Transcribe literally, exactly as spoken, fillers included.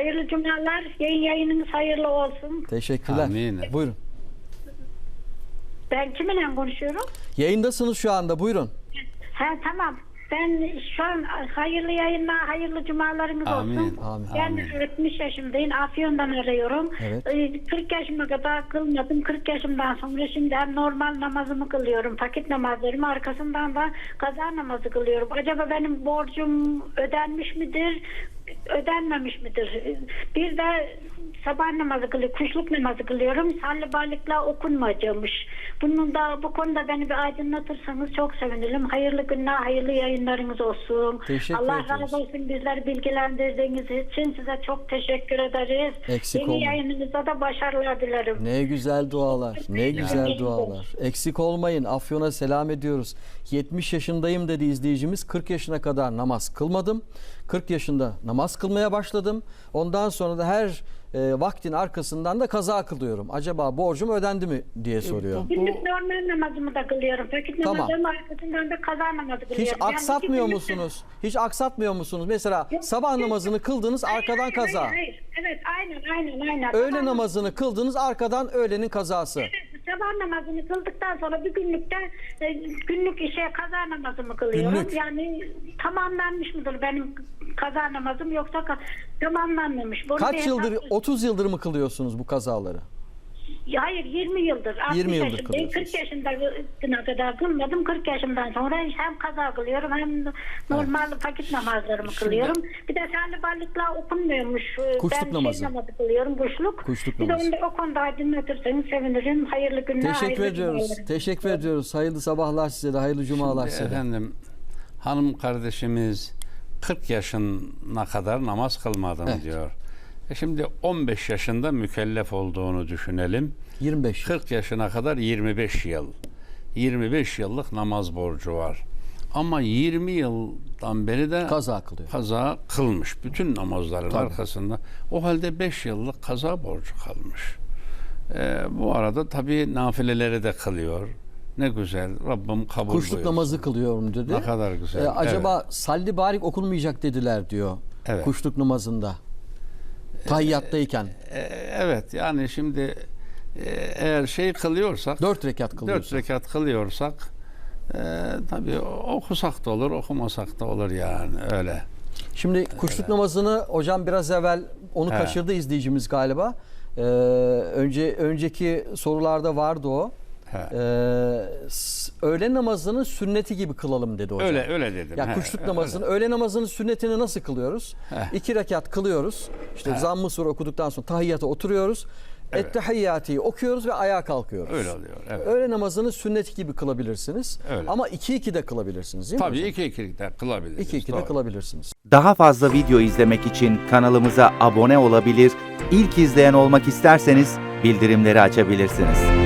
Hayırlı cumalar. Yayın yayınınız hayırlı olsun. Teşekkürler. Amin. Buyurun. Ben kiminle konuşuyorum? Yayındasınız şu anda. Buyurun. Ha tamam. Ben şu an hayırlı yayınlar, hayırlı cumalarınız Amin. olsun. Amin. Ben Amin. yetmiş yaşındayım. Afyon'dan arıyorum. Evet. Ee, kırk yaşıma kadar kılmadım. kırk yaşımdan sonra şimdi hem normal namazımı kılıyorum. Vakit namazlarımı, arkasından da kaza namazı kılıyorum. Acaba benim borcum ödenmiş midir? Ödenmemiş midir? Bir de sabah namazı kılıyorum, kuşluk namazı kılıyorum. Sallibalikla okunmayacakmış. Bunun da bu konuda beni bir aydınlatırsanız çok sevinirim. Hayırlı günler, hayırlı yayınlarınız olsun. Teşekkür Allah ederiz. razı olsun bizleri bilgilendirdiğiniz için size çok teşekkür ederiz. Eksik Yeni olmayın. yayınınızda da başarılar dilerim. Ne güzel dualar. Ne güzel dualar. Eksik olmayın. Afyon'a selam ediyoruz. yetmiş yaşındayım dedi izleyicimiz. kırk yaşına kadar namaz kılmadım. kırk yaşında namaz kılmaya başladım. Ondan sonra da her e, vaktin arkasından da kaza kılıyorum. Acaba borcum ödendi mi diye soruyor. Günlük normal namazımı da kılıyorum. Vakit Tamam. namazımın arkasından da kaza namazı kılıyorum. Hiç Yani aksatmıyor iki günlük- musunuz? Hiç aksatmıyor musunuz? Mesela sabah namazını kıldınız, arkadan Hayır, kaza. Hayır, hayır. Evet, aynen, aynen, aynen. Öğle Sabah namazını kıldınız, arkadan öğlenin kazası. Evet, sabah namazını kıldıktan sonra bir günlükte e, günlük işe kaza namazımı kılıyorum. Günlük. Yani tamamlanmış mıdır benim kaza namazım yoksa ka- tamamlanmamış. Bunu bir Kaç yıldır, hesap- otuz yıldır mı kılıyorsunuz bu kazaları? Hayır, yirmi yıldır. altmış yirmi yıldır yaşındayım. kılıyorsunuz. kırk yaşına kadar kılmadım. kırk yaşımdan sonra hem kaza kılıyorum hem normal vakit namazlarımı kılıyorum. Bir de sallibalikla okunmuyormuş. Kuşluk ben namazı. Şey namazı kılıyorum, kuşluk. Kuşluk bir namazı. de onu da o konuda aydınlatırsanız sevinirim. Hayırlı günler, Teşekkür hayırlı ediyoruz. cumalar. Teşekkür ediyoruz. Hayırlı sabahlar size de, hayırlı cumalar size de. Efendim, hanım kardeşimiz kırk yaşına kadar namaz kılmadım Evet. diyor. E şimdi on beş yaşında mükellef olduğunu düşünelim. yirmi beş. kırk yaşına kadar yirmi beş yıl. yirmi beş yıllık namaz borcu var. Ama yirmi yıldan beri de Kaza kılıyor. kaza kılmış. Bütün namazların Tabii. arkasında. O halde beş yıllık kaza borcu kalmış. Ee, bu arada tabii nafileleri de kılıyor. Ne güzel. Rabbim kabul Kuşluk buyursun. namazı kılıyorum dedi. Ne kadar güzel. Ee, acaba salli barik okunmayacak dediler diyor. Evet. Kuşluk namazında. Tahiyyattayken. E, evet yani şimdi e, eğer şey kılıyorsak Dört rekat dört kılıyorsun. rekat kılıyorsak e, tabii okusak da olur, okumasak da olur yani öyle. Şimdi kuşluk namazını hocam biraz evvel onu He. kaçırdı izleyicimiz galiba. Ee, önce önceki sorularda vardı o. He. Ee, s- öğle namazının sünneti gibi kılalım dedi hocam. Öyle öyle dedim. Ya He, kuşluk öyle. namazını, öğle namazının sünnetini nasıl kılıyoruz? Heh. İki rekat kılıyoruz. İşte Heh. zamm-ı sure okuduktan sonra tahiyyata oturuyoruz. Evet. Ettehiyyati'yi okuyoruz ve ayağa kalkıyoruz. Öyle oluyor. Evet. Öğle namazını sünnet gibi kılabilirsiniz. Öyle. Ama iki iki de kılabilirsiniz değil mi Tabii hocam? iki iki de kılabiliriz. İki iki de Doğru. kılabilirsiniz. Daha fazla video izlemek için kanalımıza abone olabilir, ilk izleyen olmak isterseniz bildirimleri açabilirsiniz.